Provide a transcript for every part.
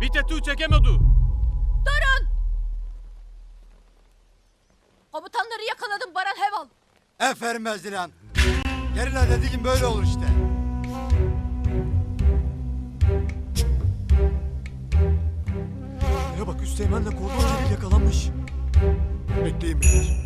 Bir tetu çekemedi. Durun! Komutanları yakaladım Baran Heval. Aferin Bezdilan. Gerilla dediğin böyle olur işte. Ya bak Üsteğmen'le Kordon Celil yakalanmış. Bekleyin beyler.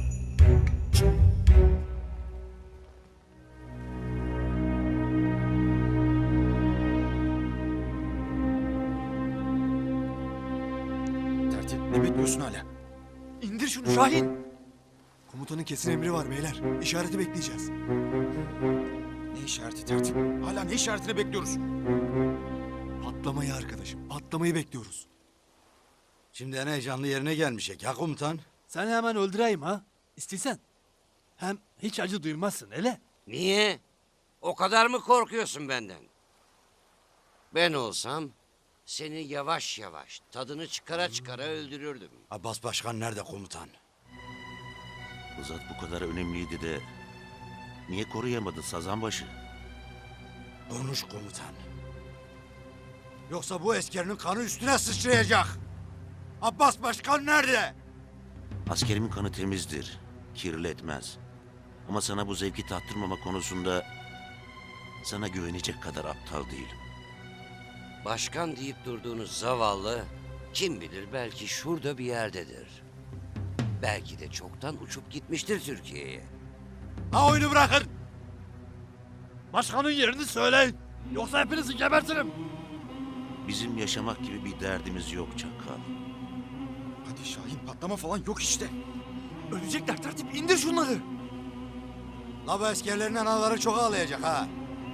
Tertip ne bekliyorsun hala? İndir şunu Şahin. Komutanın kesin emri var beyler. İşareti bekleyeceğiz. Ne işareti tertip? Hala ne işaretini bekliyoruz? Patlamayı arkadaşım. Patlamayı bekliyoruz. Şimdi en heyecanlı yerine gelmişek ya komutan. Sen hemen öldüreyim ha. İstesen. Hem hiç acı duymazsın hele. Niye? O kadar mı korkuyorsun benden? Ben olsam seni yavaş yavaş tadını çıkara çıkara öldürürdüm. Abbas Başkan nerede komutan? Bu zat bu kadar önemliydi de niye koruyamadı Sazanbaşı? Konuş komutan. Yoksa bu eskerinin kanı üstüne sıçrayacak. Abbas Başkan nerede? Askerimin kanı temizdir, kirletmez. Ama sana bu zevki tattırmama konusunda sana güvenecek kadar aptal değilim. Başkan deyip durduğunuz zavallı kim bilir belki şurada bir yerdedir. Belki de çoktan uçup gitmiştir Türkiye'ye. Ha oyunu bırakın. Başkanın yerini söyleyin. Yoksa hepinizi gebertirim. Bizim yaşamak gibi bir derdimiz yok Çakal. Hadi Şahin patlama falan yok işte. Ölecekler tertip indir şunları. La bu eskerlerin anaları çok ağlayacak ha.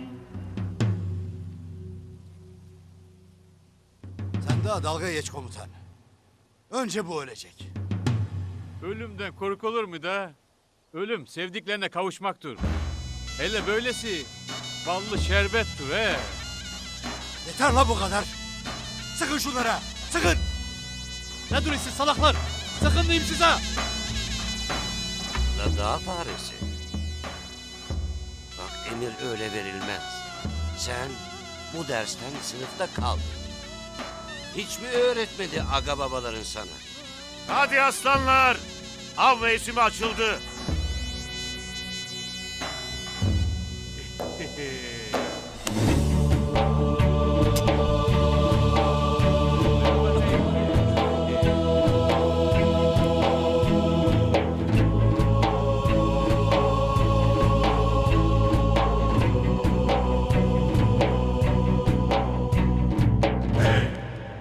Sen daha dalga geç komutan. Önce bu ölecek. Ölümden korkulur mu da? Ölüm sevdiklerine kavuşmaktır. Hele böylesi ballı şerbettir he. Yeter la bu kadar. Sıkın şunlara. Sıkın. Ne duruyorsun salaklar? Sakın diyeyim size. La dağ faresi. Bak emir öyle verilmez. Sen bu dersten sınıfta kal. Hiç mi öğretmedi aga babaların sana? Hadi aslanlar. Av mevsimi açıldı.